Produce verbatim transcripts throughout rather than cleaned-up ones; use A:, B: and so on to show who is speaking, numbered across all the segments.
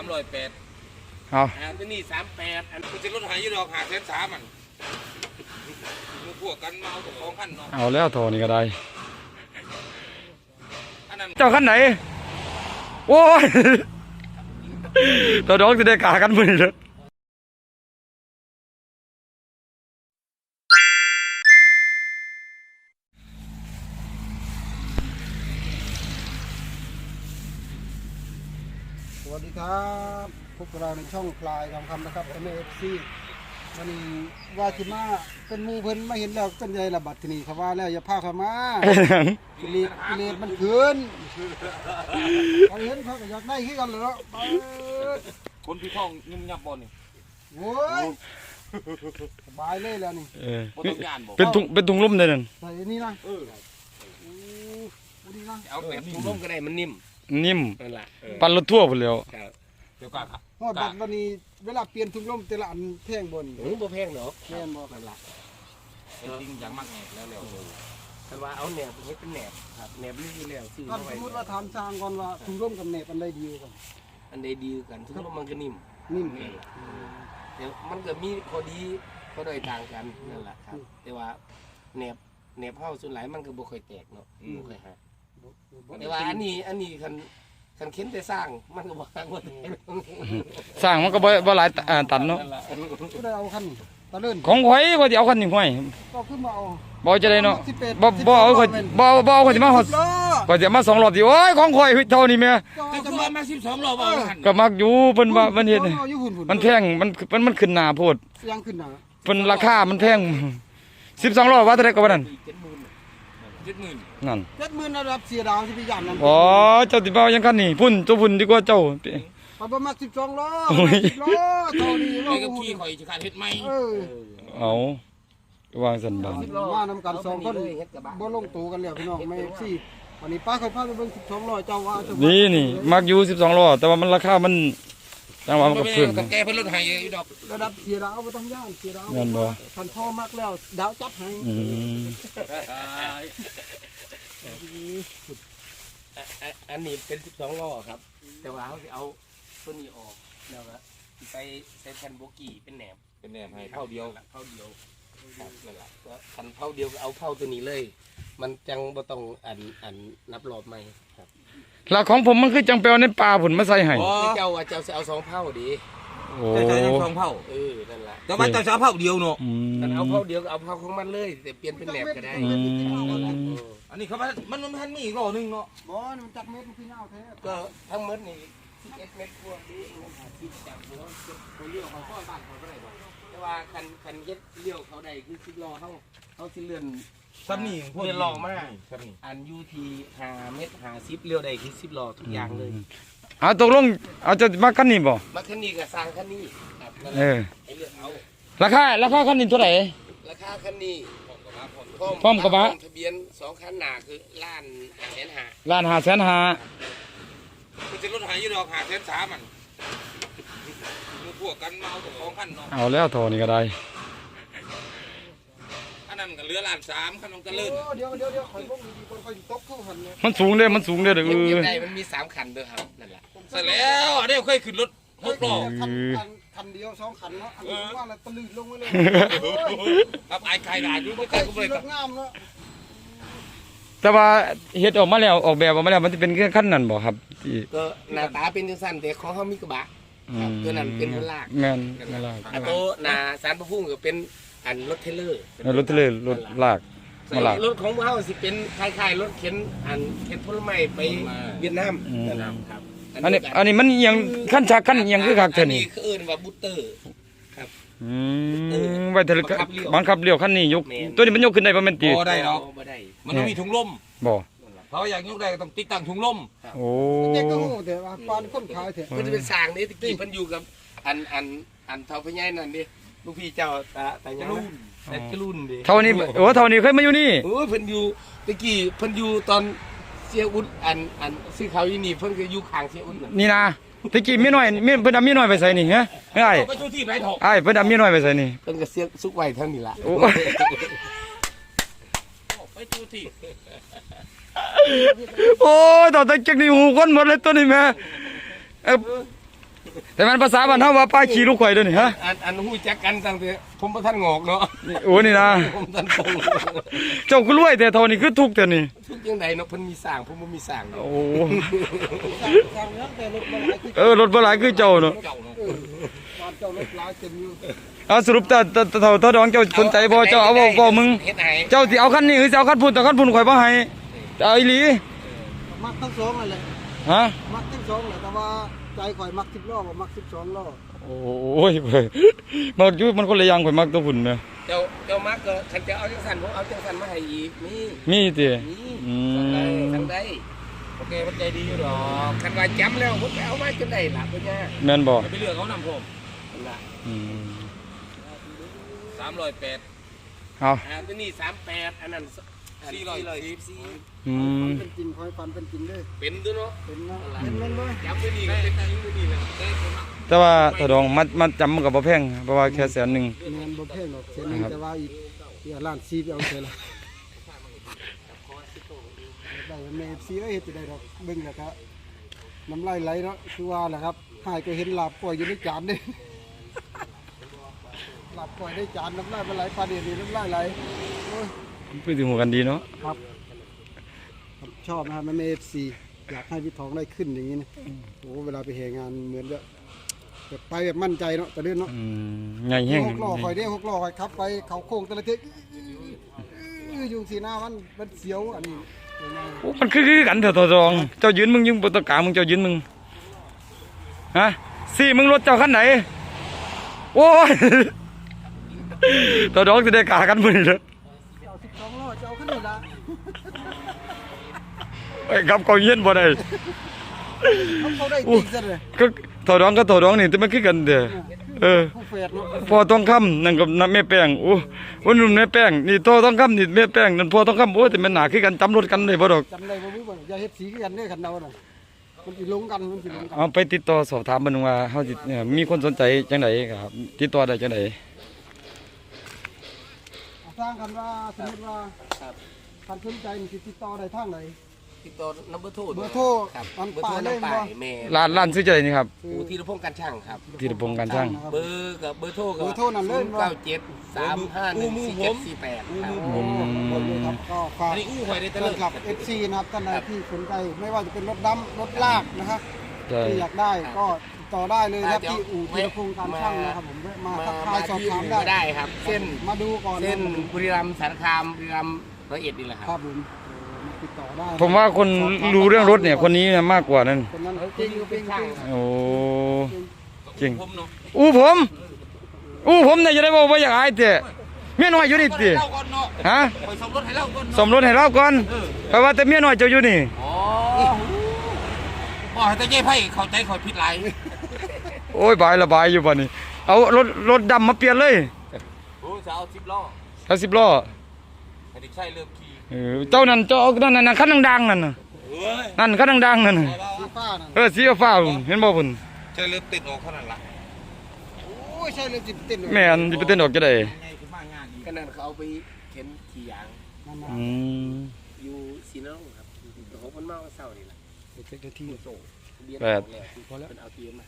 A: ามร้อยแปด
B: เอา
A: อันนี้สามแปดอันมันจะลดหายยี่ดอกหาแสนสามมันมือพวกกันเมาตัวของขั้นเนาะ
B: เอาแล้วโทนี่ก็ได้เจ้าขั้นไหนโอ้ยตัวดอกจะได้กากันมือเลย
C: สวัสดีครับพวกเราในช่องคลายทองคำนะครับเอ็มเอฟซีวันนี้ว่าจิมาเป็นมูเพิ่นมาเห็นแล้วเป็นไงล่ะบัดทีนี้เขาว่าแล้วอย่าพาเขามากิเลสกิเลสมันขืนเขาเห็นเขาก็อยากได้ขึ้นกันเลยเนาะ
A: คนพี่ท้องยุ่มยับบอลนี่
C: โว้ยสบายเลยแล้วนี่
B: เป็นถุงเป็นถุงลุ่มเลยนั่น
C: ใส่นี่นะเออโอ้นี่นะ
A: เอาแบบถุงร่มก็ได้มันนิ่ม
B: นิ่มปั่นรถทั่วไปแล้ว
A: เดี๋ยวก่อนครับ
C: ฮอดบัดวันนี้เวลาเปลี่ยนถุงลมแต่ละอันแพงบน
A: หรือบ่แพงเนาะ
C: แพงบ่นั่นล่ะ
A: เป็นจริงอย่างมากแหนบแล้วแล้ว
D: แต่ว่าเอาแหนบเฮ็ดเป็นแหนบครับแหนบนี่อยู่แล้วซื้อ
C: ถ้าสมมติว่าถามช่างก่อนว่าถุงลมกับแหนบอันใดดีกว่า
D: อันใดดีกันถุงลมมันก็นิ่ม
C: นิ่ม
D: เดี๋ยวมันก็มีข้อดีข้อด้อยต่างกันนั่นแหละครับแต่ว่าแหนบแหนบเฮาส่วนหลายมันก็บ่ค่อยแตกเนาะบ่ค่อยหักแต่ว่าอันนี้อันนี้คันคันเข็นแต่สร้างมันก็บ่หักบ่แตก
B: สร้างมันก็บ่บ่หลายตันเนาะ
C: ก็ได้เอาคันตะเลิ่น
B: ของข่อยบ่สิเอาคันนี้ข่อย
C: ก็ขึ้นมาเอา
B: บ่จะได้เนาะบ่บ่เอาข่อยบ่บ่เอาข่อยสิมาฮอดข่อยสิมาสองรอบสิโอ้ยของข่อยเท่านี้แม่
A: จะมามาสิบสองรอบเอา
B: ก็มักอยู่เพิ่นว่ามันเฮ็ดมันแพงมันมันมันขึ้นหน้าโพด
C: ยังขึ้นหน้า
B: เพิ่นราคามันแพงสิบสองรอบว่าเท่าใดก็ว่านั่น
A: เจ็ดหมื่น
B: นั่น
C: เจ็ดหมื่นระดับเสียดาวสิไปย่านนั้น
B: อ๋อเจ้าสิบ่ยังคันนี้พุ่นตัวพุ่นดีกว่าเจ้า
C: เอาประมาณสิบสองล้อสิบล้อเท่านี้
A: ไอ้กับขี้ข่อยจะขาดเฮ็ดไหม
C: เออ
B: เอาวางสันบาน
C: มานำกันสองคนบ่ลงตัวกันแล้วพี่น้องไม่สิวันนี้ป้าเคยพาไปเบิ่งสิบสองล้อเจ้าว่า
B: นี่นี่มักอยู่สิบสองล้อแต่ว่ามันราคามันจังหวะมันก็ขึ้น
A: กับแกเพิ่นลดให้อยู่ดอก
C: ระดับเสียดาวบ่ต้องย่านเสียดาว
B: นั่นบ่
C: คันพ่อมักแล้วดาวจัดให้
B: อืม
D: อันนี้เป็นสิบสองล้อครับแต่ว่าเขาจะเอาตัวนี้ออกแล้วก็ไปใส่แผ่นโบกี้เป็นแหนบ
A: เป็นแหนบให้เท่าเดียว
D: เท่าเดียวครับนั่นแหละก็คันเท่าเดียวก็เอาเท่าตัวนี้เลยมันจังบ่ต้องอันอันนับรอบใหม่ครับ
B: แล้วของผมมันคือจังเปียวในป่าผุนมาใส่ให้
D: เจ้าว่าเจ้าจะเอาสองเท่าดี
B: โอ้
A: ใส่สองเท่า
D: เออนั่นแหละ
A: แต่ว่าเจ้าจะเอาเท่าเดียวเนาะ
D: แต่เอาเท่าเดียวเอาเท่าของมันเลยแต่เปลี่ยนเป็นแหนบก็ได้
A: อันนี้เขามันมันมันมีอีกรอนึงเนาะ
C: บ่มันจักเม็ดมันคือยาวแท้
D: ก็ทั้งหมดนี่สิบเอ็ดเมตรกว่านี้สิบจากหัวเขาเลี้ยวเขาข้อบ้านเขาก็ได้แต่ว่าคันคันเย็ดเลี้ยวเขาได้คือสิบล้อเขาเขาสิเลื่อน
A: ซ้ำนี่
D: พวกเลื่อนล้อมากอันยูทีห้าเมตรห้าสิบเลี้ยวได้คือสิบล้อทุกอย่างเลย
B: เอาตกลงเอาจะมาคันนี้บ่
D: มาคันนี้กับสร้างคันนี้ครับ
B: เออ
D: ไอ้เลือกเอา
B: ราคาราคาคันนี้เท่าไหร่
D: ราคาคันนี้
B: พร้อมกระบะ
D: ทะเบียนสองคันหนาคือล้านแสนห้า
B: ล้านห้าแสนห้า
A: มันจะลดหายยี่ดอกหาแสนสามมันมือพวกกันเมาตัวของขั้นเนาะ
B: เอาแล้วโทนี่ก็ได้
A: อันนั้นก็เหลือล้านสามขั้นมันก็เลื่อน
C: เดี๋ยวเดี๋ยวเดี๋ยวคอยพวกนี้คนคอยตกเข้าหันเนี่ย
B: มันสูงเด้มันสูงเด้อเด้อ
D: เออมันมีสามคันเด้อครับนั่นแหละ
A: เสร็จแล้วเดี๋ยวค่อยขึ้นรถหกล้อ
C: คันเดียวสองคันเนาะอันนี้ว่าอะไรตะลื่นลงไปเลย
A: ครับไอ้ใครด่าอยู่ไม่ใครก็เลย
C: งามเนาะ
B: แต่ว่าเฮ็ดออกมาแล้วออกแบบออกมาแล้วมันจะเป็นขั้นนั้นบ่ครับ
D: ก็หน้าตาเป็นจังซั่นแต่ของเขามีกระบะตัวนั้นเป็นรถลาก
B: แม่นรถลาก
D: อันโตหน้าสารพระภูมิก็เป็นอันรถเทเลอร์
B: รถเทเลอร์รถลาก
D: มาลากรถของเฮาสิเป็นคล้ายๆรถเข็นอันเข็นผลไม้ไปเวียดนามนั่นครับ
B: อันนี้อันนี้มันยังขั้นฉากขั้นยังคือคักเท่านี้
D: คือเอิ้นว่าบูตเตอร์ครับ
B: อืมไว้เถอะบังคับเลี้ยวคันนี้ยกตัวนี้มันยกขึ้นได้บ่แม่นติ
A: บ่ได้หรอกบ่ได้มันต้องมีถุงลม
B: บ่
A: เพราะอยากยกได้ต้องติดตั้งถุงลม
B: โอ้
C: เจ๊ก็ฮู้แต่ว่าปานคนขายแท้
D: มันจะเป็นสร้างนี่ตะกี้เพิ่นอยู่กับอันอันอันเฒ่าพญายนั่นดิลูกพี่เจ้าตาตายังแต่กรุ่นดิ
B: เท่านี้โอ้เท่านี้เคยมาอยู่นี่
D: โอ้เพิ่นอยู่ตะกี้เพิ่นอยู่ตอนเสียอุ่นอันอันซื้อเขาอยู่นี่เพิ่นก็อยู่ข้างเสียอุ่น
B: นี่นะตะกี้มีน้อยมีเพิ่นเอามีน้อยไปใส่นี่ฮะไอ้
A: ไปอยู่ที่ไหนถก
B: ไอ้เพิ่นเอามีน้อยไปใส่นี่
D: เพิ่นก็เสียสุกไว้เท่านี้ล่ะ
B: โอ้
A: ไปอยู่ที่
B: โอ้ยตอนตะกี้นี่หูคนหมดเลยตัวนี้แม่แต่มันภาษาบ้านเฮาว่าป้าขี่ลูกข่อยเด้อนี่ฮะ
D: อันอันฮู้จักกันตั้งแต่ผมบ่ทันงอกเนาะ
B: นี่โอ้นี่นะ
D: ผมทันตรง
B: เจ้าก็รวยแต่เท่านี้คือทุกข์แต่นี่
D: ทุกยังไดเนาะเพิ่นมีสร้างผมบ่มีสร้างเนาะ
B: โอ้
C: สั่งแล้วแต่รถมาหลายคือ
B: เออรถบ่หลายคือเจ้าเนาะ
A: เจ้าเนาะ
C: บ้านเจ้ารถหลายเต็มอยู่
B: เอาสรุปแต่แต่แต่เท่าเท่าดองเจ้าสนใจบ่เจ้าเอาบ่บ่มึง
D: เฮ็ดให้
B: เจ้าสิเอาคันนี้หรือสิเอาคันพุ่นแต่คันพุ่นข่อยบ่ให้จะเอาอีหลี
C: มักทั้งสองนั่นแหละ
B: ฮะ
C: มักทั้งสองแหละแต่ว่าใจข่อยมักสิบล้อบ่มักสิบสองล้อ
B: โอ้ยเว้ยมันอยู่มันคนละอย่างข่อยมักตัวพุ่นแม่
D: เจ้าเจ้ามักก็คันจะเอาจังซั่นผมเอาจังซั่นมาให้อีกมี
B: มีติ
D: มี
B: อื
D: ทางใด
B: ม
D: ทางใดโอเคมันใจดีอยู่ดอกคันว่าจำแล้วผมไปเอามาจนได้ล่ะเพิ่นย่า
B: แม่นบ่
A: ไปเลือกเขานำผม
D: นั่นล่ะ
B: อืม
A: สามร้อยแปด
B: เอา
D: อ่าตัวนี้สามแปดอันนั้นสี่ร้อยสิบสี่
B: อืม
C: เป็นจริงข่อยฝันเป็นจริงเด้อ
D: เป็นด้วยเนาะ
C: เป็นนะเป็นแม่นบ่
D: จำตัวนี้ก็เป็นจริงตัวนี้แหละได้คนละ
B: แต่ว่าถ้าดองมัดมัดจำมันก็บ่แพงเพราะว่าแค่แสนหนึง
C: แม่นบ่แพงหรอกเสียหนึงแต่ว่าอีกอีกล้านสี่ไปเอาเสียละได้แม่ซีเอ้ยเฮ็ดจะได้ดอกเบิ่งแล้วก็น้ำลายไหลเนาะคือว่าแหละครับหายก็เห็นลาบปล่อยอยู่ในจานเด้ลาบปล่อยในจานน้ำลายมันไหลปลาเดี๋ยวนี้น้ำลายไหลโอ้ย
B: พูดถึงหัวกันดีเนาะ
C: ครับครับชอบนะครับแม่เอฟซีอยากให้พี่ทองได้ขึ้นอย่างนี้นะโอ้เวลาไปแห่งานเหมือนแบบแบบไปแบบมั่นใจเนาะแต่เรื่องเนาะ
B: อืมใหญ่แห้ง
C: หกล้อคอยเด้หกล้อคอยขับไปเขาโค้งแต่ละเทอยู่สีหน้ามันมันเสียวอันนี้เป็นไง
B: โอ้มันคือคือกันเถอะตัวรอง เจ้ายืนมึงยิงบนตะกามึงเจ้ายืนมึงฮะสี่มึงรถเจ้าคันไหนโอ้ย ตัวรองจะได้กากันมึงเลย
C: เอาสิบสองล้อจะเอาขึ้นนี่ละ
B: ไอ้กับกองเย็นบ่ได้
C: เขาเขาได้จริงซะเลย
B: ก็ตัวรองก็ตัวรองนี่แต่มันคือกันเด้อเออ
C: ผู้เฟดเนาะ
B: พอต้องคำนั่นกับน้ำแม่แป้งโอ้โอ้นุ่นแม่แป้งนี่โตต้องคำนี่แม่แป้งนั่นพอต้องคำโอ้แต่มันหนาคือกันจำรถกันเลยบ่ดอก
C: จำได้บ่รู้บ่อย่าเฮ็ดสีกันเด้อคันเดาน่ะมันสิลงกันมันสิลงกัน
B: เอาไปติดต่อสอบถามเบิ่งว่าเฮาสิเนี่ยมีคนสนใจจังไดครับติดต่อได้จังได
C: สร้างกันว่าสมมติว่า
D: ครับ
C: คันสนใจนี่สิติดต่อได้ทางไหน
D: ติดต่อนัมเบอร์โทร
C: เบอร์โทร
D: ครับ
C: มัน
D: เบอร์โทร
C: ป่าเลย
D: น้ำ
C: บ่
D: ป่ายแม่
B: ร้านร้านซื้อใจนี่ครับ
C: คือ
D: อูธีรพงษ์การช่างครับ
B: ธีรพงษ์การช่าง
C: นะครับ
D: เบอร์กับเบอร์โทรกับ
C: เบอร์โทรนั่นเลย
D: เก้าเจ็ดสามห้าหนึ่งสี่เจ็ดสี่แปดครับ
C: โอ้โหหมดเลยครับก็ฝาก
A: อันนี้อู้หอยได้
C: แฟ
A: แต่เลิ
C: น
A: ก
C: คลับ เอฟ ซี นะครับท่านใดที่สนใจไม่ว่าจะเป็นรถดำรถลากนะครับ
B: ใช่
C: ที่อยากได้ก็ติดต่อได้เลยนะครับ
D: อ่าเดี๋ยว
C: ที่อู่ธีรพงษ์การช่างนะครับผมแวะมา
D: มา
C: ทักทาย
D: มา
C: สอบ
D: ที่
C: ถาม
D: อื่น
C: ได้
D: ก็ได้ครับ เส้น
C: มาดูก่อน
D: เส้น
C: นะครับ
D: บุรีรัมย์สารคามบุรีรัมย์ร้อยเอ็ดนี่แหละค
C: ครั
D: รั
C: บบ ผมมาติดต่อได้
B: ผมว่าคนรู้เรื่องรถเนี่ยคนนี้เนี่ยมากกว่านั้น
C: คนนั้น
D: เออ
C: จริง
D: คนนี้ก็
C: จ
D: เป็
C: ริ
D: น
C: ง
D: ช่าง
C: จริง
D: ครับ
B: โอ้จริง
A: ผมเนาะ
B: อู้ผมอู้ผมเนี่ยจะได้บอกว่าอยากอายแต่เมียน้อยอยู่นี่ติ
A: เล่าก่อนเนาะ
B: ฮะ
A: ไปสมรถให้เล่าก่อน
B: สมรสให้เราก่อนเพราะว่าแต่เมียน้อยเจ้าอยู่นี่
A: อ๋อบอกให้แต่เย้ไพ่เข้าใจเขาผิดหลาย
B: โอ้ยบายละบายอยู่บ่นี่เอารถรถดำมาเปลี่ยนเลย
A: โอ้จะเอาสิบล้อ
B: เอาสิบล้อ
A: ให้เด็กชายเริ่มขี่
B: เออเจ้านั่นเจ้าเอานั่นนั่นคันดังๆนั่นน่ะ
A: เฮ้ย
B: นั่นคันดังๆนั่นน่ะ
C: สีฟ้านั่น
B: เออสีฟ้าพุ่นเห็นบ่พุ่น
A: ชายเริ่มติดออกเท่านั้นล่ะ
C: โอ้ยใช่เลยจิบเต้นเลย
B: แม่นสิไปเต้นออกจะได้
A: ง่ายขึ้นมากงานอีก
D: ก็นั่นเขาเอาไปเข็นขี่ยาง
C: นั่นนะ
B: อืม
D: อยู่ซีนองครับหกมันเมาเศร้านี่แหละ
C: เด็กเด็กที่โซ่
D: เบียร์
B: แปด
D: พอแล้วเป็นเอาเบียร์มาให้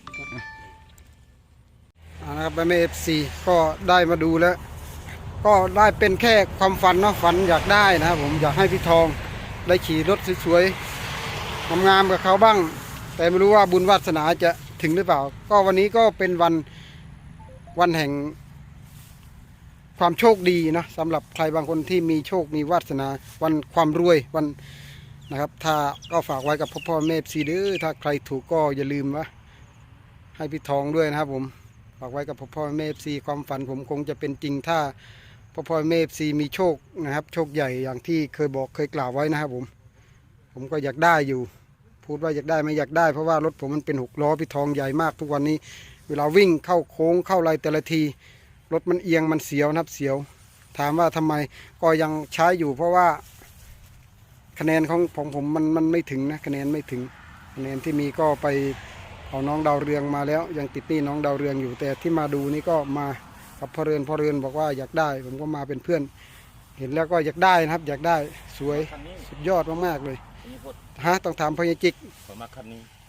C: อ่านะครับแม่เอฟซีก็ได้มาดูแล้ว ก็ได้เป็นแค่ความฝันเนาะฝันอยากได้นะครับผมอยากให้พี่ทองได้ขี่รถสวยๆงามๆกับเขาบ้าง แต่ไม่รู้ว่าบุญวาสนาจะถึงหรือเปล่า ก็วันนี้ก็เป็นวันวันแห่งความโชคดีนะสำหรับใครบางคนที่มีโชคมีวาสนาวันความรวยวันนะครับถ้าก็ฝากไว้กับพ่อพ่อแม่ซีเด้อถ้าใครถูกก็อย่าลืมว่าให้พี่ทองด้วยนะครับผมฝากไว้กับพ่อพ่อแม่ซีความฝันผมคงจะเป็นจริงถ้าพ่อพ่อแม่ซีมีโชคนะครับโชคใหญ่อย่างที่เคยบอกเคยกล่าวไว้นะครับผมผมก็อยากได้อยู่ พูดว่าอยากได้ไม่อยากได้เพราะว่ารถผมมันเป็นหกล้อพี่ทองใหญ่มากทุกวันนี้ เวลาวิ่งเข้าโค้งเข้าไรแต่ละทีรถมันเอียงมันเสียวนะครับเสียว ถามว่าทำไมก็ยังใช้อยู่ เพราะว่าคะแนนของของผมมันมันไม่ถึงนะคะแนนไม่ถึงคะแนนที่มีก็ไปเอาน้องดาวเรืองมาแล้ว ยังติดหนี้น้องดาวเรืองอยู่แต่ที่มาดูนี่ก็มากับพ่อเรือนพ่อเรือนบอกว่าอยากได้ ผมก็มาเป็นเพื่อน เห็นแล้วก็อยากได้นะครับ อยากได้สวยสุดยอดมากๆเลยฮะต้องถามพญาจิก
A: ผมมาคันนี้
C: พ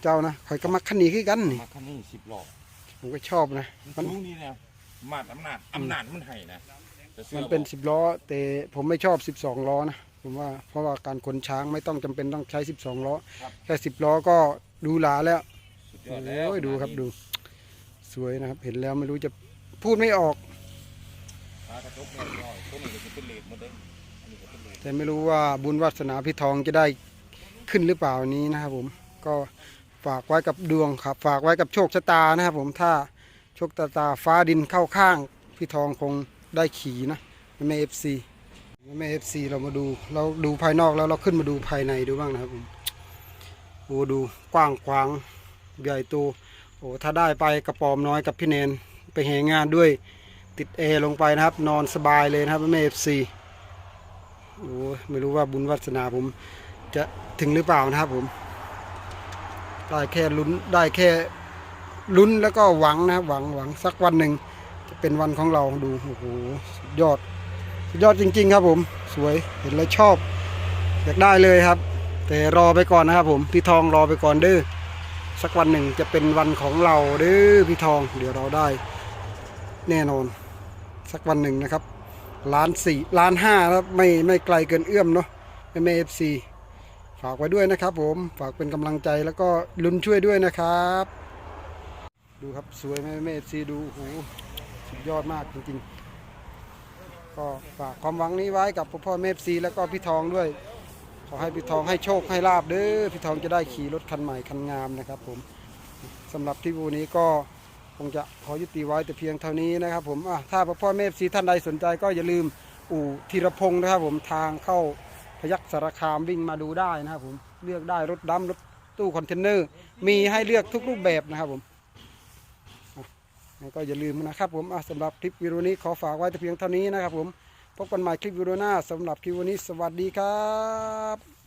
C: เจ้านะข่อยก็มักคันนี้คือกันนี่
A: มาคันนี้สิบล้อ
C: ผมก็ชอบนะ
A: มั
C: มัน น
A: รู้นี่นะมาดอำนาจอำนาจมันให้นะแต่สื้อ
C: มันเป็นสิบล้อแต่ผมไม่ชอบสิบสองล้อนะผมว่าเพราะว่าการขนช้างไม่ต้องจำเป็นต้องใช้สิบสองล้อแค่สิบล้อก็ดูหลาแล้ว
A: สุดยอดแล้ว
C: โอ้ยดูครับดูสวยนะครับ เห็นแล้วไม่รู้จะพูดไม่ออก
A: พากระจกแม่น้อยตัวนี้ก็จะเป็นเลดหมดเลยอันนี้ก็เป็นเลด
C: แต่ไม่รู้ว่าบุญวาสนาพี่ทองจะได้ขึ้นหรือเปล่านี้นะครับผมก็ฝากไว้กับดวงครับ ฝากไว้กับโชคชะตานะครับผมถ้าโชคชะตาฟ้าดินเข้าข้างพี่ทองคงได้ขี่นะแม่เอฟซีแม่เอฟซีเรามาดูเราดูภายนอกแล้วเราขึ้นมาดูภายในดูบ้างนะครับผมโอ้ดูกว้างขวางใหญ่โตโอ้ถ้าได้ไปกระปอมน้อยกับพี่เนนไปแห่งานด้วยติดแอร์ลงไปนะครับ นอนสบายเลยนะครับแม่เอฟซี โอ้ไม่รู้ว่าบุญวาสนาผมจะถึงหรือเปล่านะครับผมได้แค่ลุ้นได้แค่ลุ้นแล้วก็หวังนะครับหวังหวังสักวันหนึ่งจะเป็นวันของเราดูโอ้โหสุดยอดสุดยอดจริงๆครับผมสวยเห็นแล้วชอบอยากได้เลยครับ แต่รอไปก่อนนะครับผมพี่ทองรอไปก่อนเด้อสักวันหนึ่งจะเป็นวันของเราเด้อพี่ทองเดี๋ยวเราได้แน่นอนสักวันหนึ่งนะครับล้านสี่ล้านห้าครับไม่ไม่ไกลเกินเอื้อมเนาะแม่เอฟซีฝากไว้ด้วยนะครับผมฝากเป็นกำลังใจแล้วก็ลุ้นช่วยด้วยนะครับดูครับสวยแม่แม่เอฟซีดูโอ้โหสุดยอดมากจริงๆก็ฝากความหวังนี้ไว้กับพ่อพ่อแม่เอฟซีแล้วก็พี่ทองด้วยขอให้พี่ทองให้โชคให้ลาบเด้อพี่ทองจะได้ขี่รถคันใหม่คันงามนะครับผมสำหรับที่วูนี้ก็คงจะขอยุติไว้แต่เพียงเท่านี้นะครับผมอ่ะถ้าพ่อแม่เอฟซีท่านใดสนใจก็อย่าลืมอู่ธีรพงศ์นะครับผมทางเข้าพยัคฆ์สารคามวิ่งมาดูได้นะครับผมเลือกได้รถดำรถตู้คอนเทนเนอร์มีให้เลือกทุกรูปแบบนะครับผมอ่ะงั้นก็อย่าลืมนะครับผมอ่ะสำหรับคลิปวิดีโอนี้ขอฝากไว้แต่เพียงเท่านี้นะครับผมพบกันใหม่คลิปวิดีโอหน้าสำหรับคลิปวันนี้สวัสดีครับ